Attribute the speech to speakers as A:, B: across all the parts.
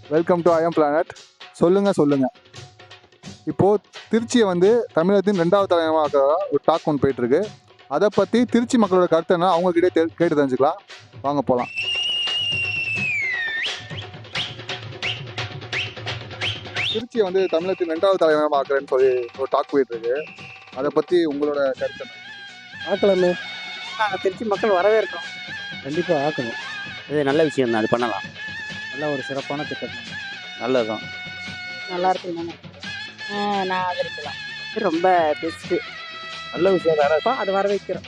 A: Welcome to IIM planet. சொல்லுங்க. இப்போது திருச்சியை வந்து தமிழகத்தின் 2வது தலைநகரமாக ஒரு டாக் ஒன்று போயிட்டுருக்கு. அதை பற்றி திருச்சி மக்களோட கருத்து என்ன அவங்கக்கிட்டே கேட்டு தெரிஞ்சுக்கலாம். வாங்க போகலாம். திருச்சியை வந்து தமிழகத்தின் 2வது தலைநகரமாக ஆக்குறேன்னு சொல்லி ஒரு டாக் போயிட்டுருக்கு. அதை பற்றி உங்களோட கருத்து என்ன?
B: ஆக்கலாமே,
C: நாங்கள் திருச்சி மக்கள் வரவேற்கிறோம்.
B: கண்டிப்பாக ஆக்கணும்.
D: இது நல்ல விஷயம் தான், அது பண்ணலாம்.
B: நல்ல ஒரு சிறப்பான திட்டம்.
D: நல்லதுதான்.
C: நல்லா இருக்குங்க. நான் ஆதரிக்கலாம். ரொம்ப பெஸ்ட்டு.
B: நல்ல விஷயம் தானே.
C: அது வரவேற்கிறோம்.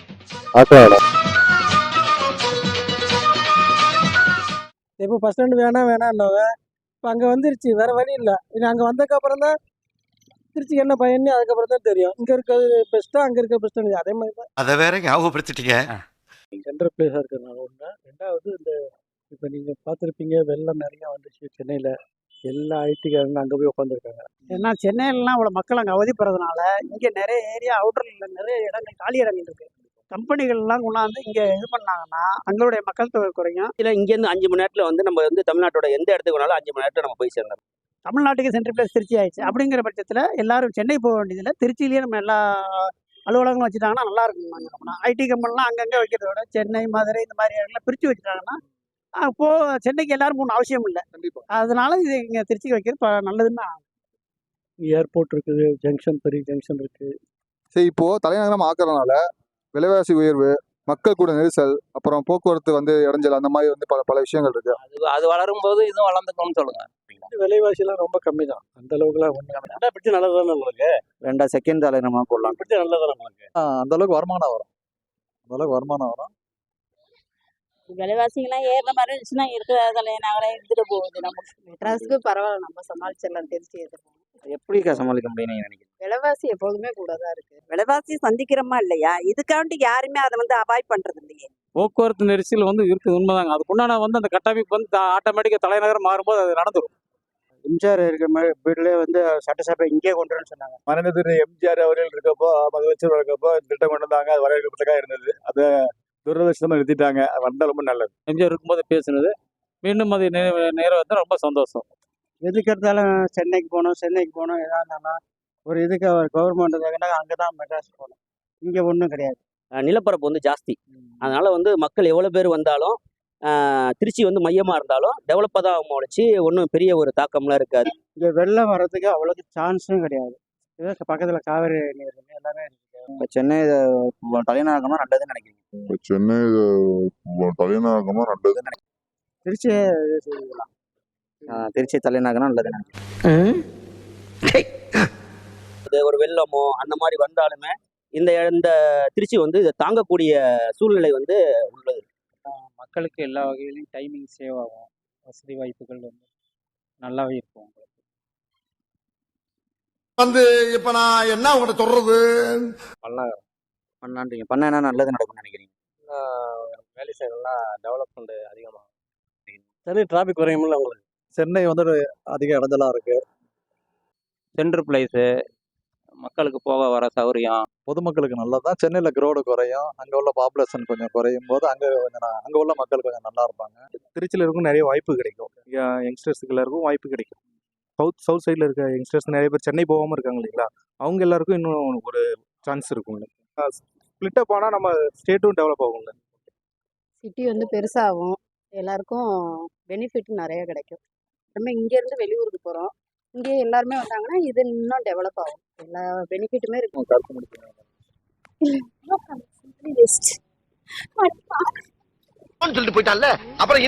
B: இப்போ பஸ் ஸ்டாண்டு வேணாம்னாங்க. இப்போ அங்கே வந்துருச்சு, வேற வழி இல்லை. இது அங்கே வந்ததுக்கப்புறம் தான் திருச்சிக்கு என்ன பயன்னு அதுக்கப்புறம் தான் தெரியும். இங்கே இருக்கிறது பெஸ்ட்டாக, அங்கே இருக்கிற பெஸ்ட்டாக. அதே மாதிரி தான்
E: அதை வேற ஞாபகப்படுத்திட்டீங்க.
B: சென்ட்ரல் பிளேஸாக இருக்கிறதுனால ஒன்று. ரெண்டாவது இந்த இப்போ நீங்கள் பார்த்துருப்பீங்க, வெள்ளம் நிறையா வந்துச்சு சென்னையில். எல்லா ஐடிக்காரங்க அங்கே போய் உட்காந்துருக்காங்க.
C: ஏன்னா சென்னையிலலாம் அவ்வளோ மக்கள் அங்கே அவதிப்படுறதுனால இங்கே நிறைய ஏரியா அவுட்டரில் நிறைய இடங்கள் காலி இடங்கள் இருக்குது. கம்பெனிகள்லாம் கொண்டாந்து இங்கே இது பண்ணாங்கன்னா அங்களுடைய மக்கள் தொகை குறையும்.
D: இல்லை, இங்கேருந்து 5 மணி நேரத்தில் வந்து நம்ம வந்து தமிழ்நாட்டோட எந்த இடத்துக்கு வேணாலும் 5 மணி நேரத்தில் நம்ம போய் சேர்ந்தோம்.
C: தமிழ்நாட்டுக்கு சென்ட்ரல் பிளேஸ் திருச்சி ஆயிடுச்சு. அப்படிங்கிற பட்சத்தில் எல்லாரும் சென்னை போக வேண்டியதில்லை. திருச்சியிலேயே நம்ம எல்லா அலுவலகங்களும் வச்சுட்டாங்கன்னா நல்லா இருக்கும். ஐடி கம்பெனிலாம் அங்கங்கே வைக்கிறத விட சென்னை, மதுரை இந்த மாதிரி இடங்கள்லாம் பிரித்து வச்சுட்டாங்கன்னா அப்போது சென்னைக்கு எல்லாரும் போகணும் அவசியம் இல்லை.
A: கண்டிப்பாக.
C: அதனால இது இங்கே திருச்சிக்கு வைக்கிறது நல்லதுன்னு
B: ஏர்போர்ட் இருக்குது, ஜங்ஷன், பெரிய ஜங்ஷன் இருக்குது.
A: சரி, இப்போது தலைநகரம் ஆக்குறதுனால விலைவாசி உயர்வு, மக்கள் கூட நெரிசல், அப்புறம் போக்குவரத்து வந்து இடைஞ்சல், அந்த மாதிரி வந்து பல விஷயங்கள் இருக்கு.
D: அது வளரும்போது இதுவும் வளர்ந்துக்கணும்னு சொல்லுங்க.
B: விலைவாசிலாம் ரொம்ப கம்மி தான், அந்த அளவுக்குலாம் ஒன்று. ரெண்டா பிடிச்சி நல்லது தானே உங்களுக்கு.
D: 2 செகண்ட் தலைநகரமாக போடலாம்.
B: பிடிச்சி நல்லது தானே உங்களுக்கு.
A: அந்த அளவுக்கு வருமானம் வரும்.
F: விலைவாசிகள்லாம் ஏறுற மாதிரி இருந்துச்சுன்னா இருக்கிற தலைநகரம் இருந்துட்டு போகுது. நமக்கு மெட்ராஸுக்கு பரவாயில்ல, நம்ம சமாளிச்சிடலாம். திருச்சி எதிர்ப்பு
D: எப்படிக்கா சமாளிக்க முடியும் நீங்க நினைக்கிறீங்க?
F: விலைவாசி எப்போதுமே கூட தான் இருக்கு. விலைவாசி சந்திக்கிறோமா இல்லையா, இதுக்காண்டி யாருமே அதை வந்து அவாய்ட் பண்றது இல்லையே.
G: போக்குவரத்து நெரிசல் வந்து இருக்குது, உண்மைதாங்க. அதுக்குண்டான வந்து அந்த கட்டமைப்பு வந்து ஆட்டோமேட்டிக்காக தலைநகரம் மாறும்போது அது நடந்துடும்.
B: எம்ஜிஆர் இருக்கிற மாதிரி வீட்டிலே வந்து சட்டசபை இங்கே கொண்டு வரேன்னு சொன்னாங்க.
H: மறைந்தது எம்ஜிஆர் அவர்கள் இருக்கப்போ, முதலமைச்சர் இருக்கப்போ திட்டம் கொண்டு வந்தாங்க. அது வரவேற்கப்பட்டதாக இருந்தது. அதை துரதிருஷ்டமாக நிறுத்திட்டாங்க. அது வந்தால் ரொம்ப நல்லது.
G: எம்ஜிஆர் இருக்கும்போது பேசுனது மீண்டும் அது நேரம் வந்து ரொம்ப சந்தோஷம்.
B: எதுக்கு எடுத்தாலும் சென்னைக்கு போகணும் எதாக இருந்தாலும் ஒரு இதுக்கு கவர்மெண்ட் அங்கே தான் மெட்ராஸ் போகணும். இங்கே ஒன்றும் கிடையாது.
D: நிலப்பரப்பு வந்து ஜாஸ்தி. அதனால வந்து மக்கள் எவ்வளோ பேர் வந்தாலும் திருச்சி வந்து மையமாக இருந்தாலும் டெவலப்பாக தான் முடிச்சு ஒன்றும் பெரிய ஒரு தாக்கம்லாம் இருக்காது.
B: இங்கே வெள்ளம் வர்றதுக்கு அவ்வளோக்கு சான்ஸும் கிடையாது. இதோ பக்கத்தில் காவேரி நீர் எல்லாமே இருக்குது.
D: இப்போ சென்னை தலைநகரமாக நல்லதுன்னு நினைக்கிறீங்க?
I: சென்னை தலைநகரமா நல்லது.
B: திருச்சி செய்யலாம்.
D: திருச்சி தலைநகரம் நல்லதுன்னு நினைக்கிறேன். அது ஒரு வெள்ளமோ அந்த மாதிரி வந்தாலுமே இந்த திருச்சி வந்து இதை தாங்கக்கூடிய சூழ்நிலை வந்து உள்ளது.
G: மக்களுக்கு எல்லா வகையிலையும் டைமிங் சேவ் ஆகும். வசதி வாய்ப்புகள் வந்து நல்லாவே இருக்கும்.
E: வந்து இப்ப நான் என்ன உங்கள்கிட்ட சொல்றது?
D: பண்ணலான்றீங்க. பண்ண என்ன நல்லது நடக்கும்னு நினைக்கிறீங்க?
B: வேலை செய்யலாம், டெவலப்மெண்ட் அதிகமாகும். சரி, டிராஃபிக் குறையுமில்ல உங்களுக்கு.
H: சென்னை வந்து அதிக இடைஞ்சலாக இருக்கு.
G: சென்ட்ரல் பிளேஸு, மக்களுக்கு போக வர சௌகரியம்.
H: பொதுமக்களுக்கு நல்லதான். சென்னையில் க்ரௌடு குறையும். அங்கே உள்ள பாப்புலேஷன் கொஞ்சம் குறையும் போது அங்கே உள்ள மக்கள் கொஞ்சம் நல்லா இருப்பாங்க. திருச்சியில் இருக்கும் நிறைய வாய்ப்பு கிடைக்கும். யங்ஸ்டர்ஸுக்கு எல்லாருக்கும் வாய்ப்பு கிடைக்கும். சவுத் சைடில் இருக்க யங்ஸ்டர்ஸ் நிறைய பேர் சென்னை போகாமல் இருக்காங்க இல்லைங்களா, அவங்க எல்லாருக்கும் இன்னும் ஒரு சான்ஸ் இருக்குங்க. ஸ்பிளிட்டப் ஆனால் நம்ம ஸ்டேட்டும் டெவலப் ஆகுங்க.
F: சிட்டி வந்து பெருசாகும், எல்லாருக்கும் பெனிஃபிட் நிறைய கிடைக்கும். நம்ம இங்கேருந்து வெளியூருக்கு போகிறோம், இங்கே எல்லாருமே வந்தாங்கன்னா இது இன்னும் டெவலப் ஆகும். எல்லா பெனிஃபிட்டுமே இருக்கும்.
E: சொல்லிட்டு போயிட்டான்ல, அப்புறம்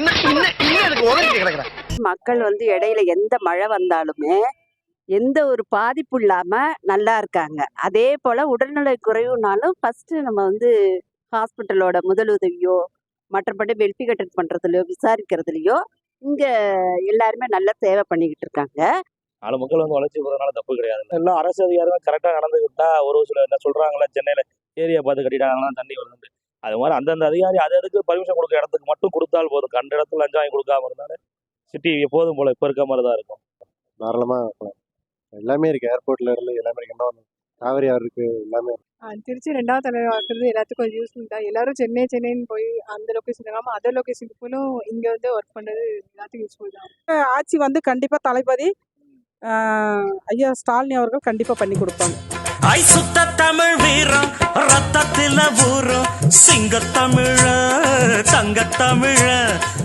F: மக்கள் வந்து இடையில எந்த மழை வந்தாலுமே எந்த ஒரு பாதிப்பு இல்லாம நல்லா இருக்காங்க. அதே போல உடல்நல குறைவுனாலும் ஃபர்ஸ்ட் நம்ம வந்து ஹாஸ்பிட்டலோட முதலுதவியோ மற்றபடி வெல்ஃபிகேட்டர் பண்றதுலையோ விசாரிக்கிறதுலையோ இங்க எல்லாருமே நல்லா சேவை பண்ணிக்கிட்டு இருக்காங்க.
H: நாலு மக்கள் வந்து வளர்ச்சி போகிறதுனால தப்பு கிடையாது. எல்லாம் அரசு அதிகாரிகள் கரெக்டாக நடந்துக்கிட்டா ஒரு சில என்ன சொல்கிறாங்களா, சென்னையில் ஏரியா பார்த்து கட்டிட்டாங்கன்னா தண்ணி வருது. அது மாதிரி அந்தந்த அதிகாரி அதுக்கு பர்மிஷன் கொடுக்குற இடத்துக்கு மட்டும் கொடுத்தால் போதும். கண்ட இடத்துல லஞ்சம் வாங்கி கொடுக்காம இருந்தாலும் சிட்டி எப்போதும் போல இப்போ இருக்க மாதிரி தான் இருக்கும். தாராளமாக எல்லாமே இருக்குது. ஏர்போர்ட்டில் இருந்து எல்லாமே இருக்கு. இன்னும் காவிரி ஆறு இருக்கு எல்லாமே.
J: திருச்சி 2வது தலைவர் ஆக்குறது எல்லாத்துக்கும் ஒரு யூஸ்ஃபுல் தான். எல்லாரும் சென்னைன்னு போய் அந்த லொக்கேஷன் இல்லாமல் அதர் லொக்கேஷனுக்கு போலும் இங்கே வந்து ஒர்க் பண்ணுறது எல்லாத்துக்கும் யூஸ்ஃபுல் தான்.
B: ஆட்சி வந்து கண்டிப்பாக தளபதி ஐயா ஸ்டாலினி அவர்கள் கண்டிப்பாக பண்ணி கொடுப்பாங்க.
K: ஐ சுத்த தமிழ் வீரம் ரத்தத்தில ஊரும் சிங்க தமிழ தங்க தமிழ